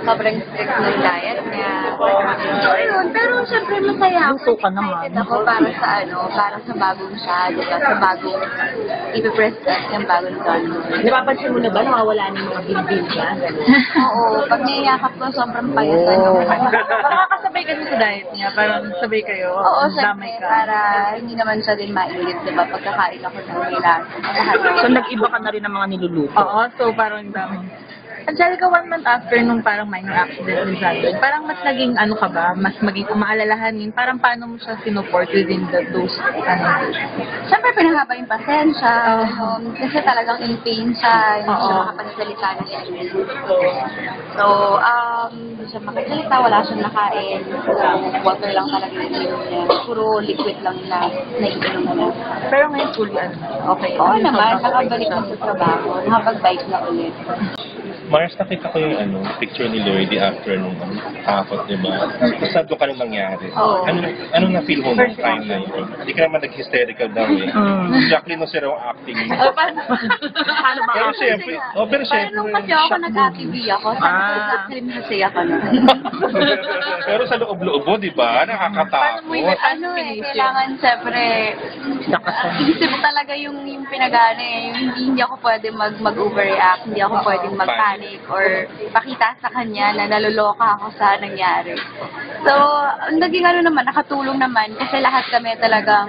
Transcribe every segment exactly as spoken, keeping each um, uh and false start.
sobrang strict ng diet niya. Ayun, pero syempre masaya ako. Luto ka naman. Excited ako para sa ano, para sa bagong siya, diba? Sa bagong ipipresent yung bagong Don. Napapansin mo na ba nawawala na yung mga bilbil niya? Oo, pag niyayakap ko, sobrang payasan Oh. yung Makakasabay ka sa diet niya, parang sabay kayo. Oo, damay syempre, ka. para hindi naman siya din mainit, diba? Pagkakain ako ng kailangan. Lahat. So, nag-iba ka na rin ng mga niluluto. Oo, so parang dami. Angelica, one month after nung parang minor accident ni Zandon, parang mas naging ano ka ba? Mas maging maalalahanin? Parang paano mo siya sinuport within the, those, ano? Siyempre, pinahaba yung pasensya. Um, kasi talagang in pain siya. Hindi siya Oo. makapagsalita ng English. So, um, hindi siya makapagsalita. Wala siyang nakain. So, water lang talaga yung inom niya. Puro liquid lang na naiinom niya. Pero ngayon, fully, ano, okay. Oo naman, nakabalik na sa trabaho. Nakapag-bike na ulit. Mars, nakita ko yung ano, picture ni Lloyd after nung ano, takot, di ba? Basta doon ka nung nangyari. Oo. Ano, anong na-feel mo nung time na yun? Hindi ka naman nag-hysterical daw eh. Mm. Jacqueline no sir ang acting. Oh, paano? Paano ba? Pero syempre, oh, pero Pero syempre. nung kasi ako nag-A T V ako, sabi ko Ah. sa film kasi ako na. Pero sa loob-loob mo, di ba? Nakakatakot. Ano eh, kailangan siyempre, isip talaga yung, yung pinagana eh. Yung hindi, hindi ako pwede mag, mag-overreact, hindi ako pwedeng mag-panic or pakita sa kanya na naluloka ako sa nangyari. So, ang naging ano naman, nakatulong naman kasi lahat kami talagang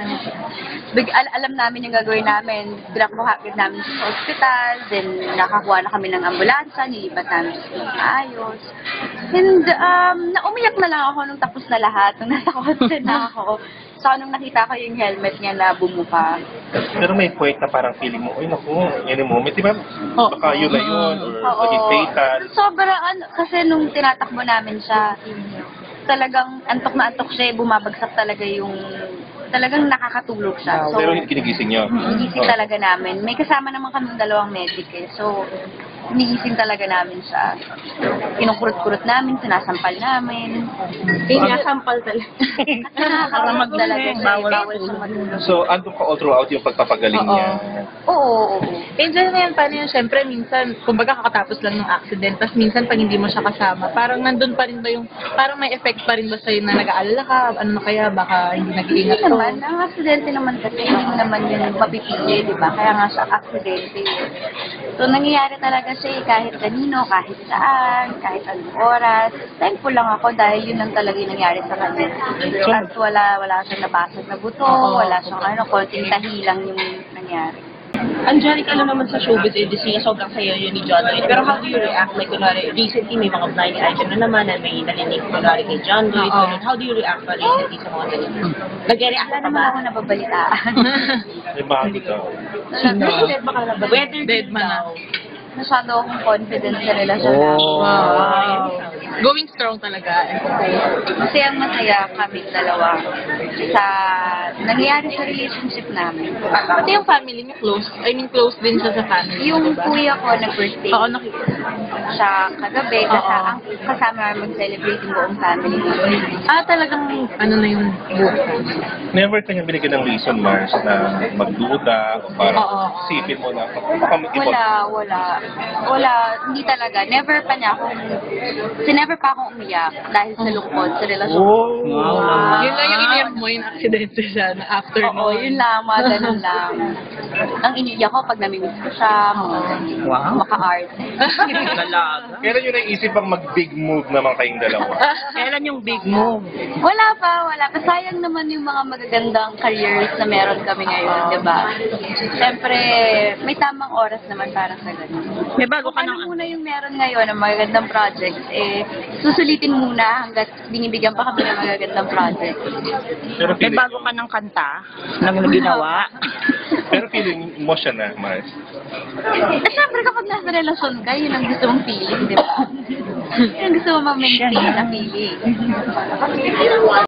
big, al alam namin yung gagawin namin. Dinakbuha namin sa hospital, then nakakuha na kami ng ambulansya, nilipat namin sa ayos. And um, naumiyak na lang ako nung tapos na lahat, nung nasa kotse na ako. So, nung nakita ko yung helmet niya na bumuka. Pero may point na parang feeling mo, uy naku, any moment, di ba? Baka yun na yun, or Oo. maging fatal. Sobra, ano, kasi nung tinatakbo namin siya, talagang antok na antok siya, eh, bumabagsak talaga yung, talagang nakakatulog siya. So, Pero ginigising niyo. Inisip talaga namin. May kasama naman kami dalawang medic eh. So, iniisip talaga namin siya. Kinukurot-kurot namin, sinasampal namin. Sinasampal talaga. Nakakaramag talaga siya. Bawal Bawal siya matulog. So, andun ka all throughout yung pagpapagaling Oo. niya. Oo, oo, oo. Angel na yan, paano yun? Siyempre, minsan, kumbaga kakatapos lang ng accident, tapos minsan pag hindi mo siya kasama, parang nandun pa rin ba yung, parang may effect pa rin ba sa'yo na nag-aalala ka, ano na kaya, baka hindi nag-iingat Hindi ko. naman, ang aksidente naman kasi hindi mo naman yun mapipili, di ba? Kaya nga siya aksidente. So, nangyayari talaga siya eh, kahit kanino, kahit saan, kahit anong oras. Thankful lang ako dahil yun lang talaga yung nangyari sa kanya. At wala, wala siyang nabasag na buto, wala siyang ano, konting tahi lang yung nangyari. Angelica, alam naman sa showbiz industry, sobrang sayo yun ni John Lloyd. Pero how do you react? Like, kunwari, recently may mga blind item na naman na may nalinig kunwari kay John Lloyd. Oo. Ganun. How do you react pa recently sa mga ganun? Nag-react Wala ka naman ba? ako nababalitaan. May bago daw. Dead ba ka na ba? Whether Dead man na. Masyado akong confident sa relasyon namin. Wow. Going strong talaga. Kasi ang masaya kami dalawa sa nangyayari sa relationship namin. Pati yung family niya close. I mean, close din siya sa family. Yung diba? kuya ko nag-birthday Oo, nakikita. siya kagabi, Oo. kasama, kasama mag-celebrate yung buong family niya. Ah, talagang, ano na yung buhay. Never kanya binigyan ng reason, Mars, na magduda o parang Oo. sipin mo na baka mag-ibot. Wala, wala. Wala, hindi talaga. Never pa niya akong, kasi never pa akong umiyak dahil sa lungkot, sa relasyon. Oh, Wow. Yun lang yung iniyak mo, yung aksidente siya na after Oo, nun. yun lang, mga ganun lang. Ang iniiyak ko pag namimiss ko siya, mga ganun. Wow. Maka-art. Talaga. Kailan yun naisip ang mag-big move naman kayong dalawa? Kailan yung big move? Wala pa, wala pa. Sayang naman yung mga magagandang careers na meron kami ngayon, di ba? Siyempre, may tamang oras naman para sa ganun. May bago ka Ano ng... muna yung meron ngayon ng magagandang projects, eh, susulitin muna hanggat binibigyan pa kami ng magagandang project. Pero May feeling, bago ka ng kanta na ginawa. pero feeling mo siya na, Mars. Eh, syempre kapag nasa relasyon ka, yun ang gusto mong feeling, di ba? Yun ang gusto mo ma-maintain na feeling.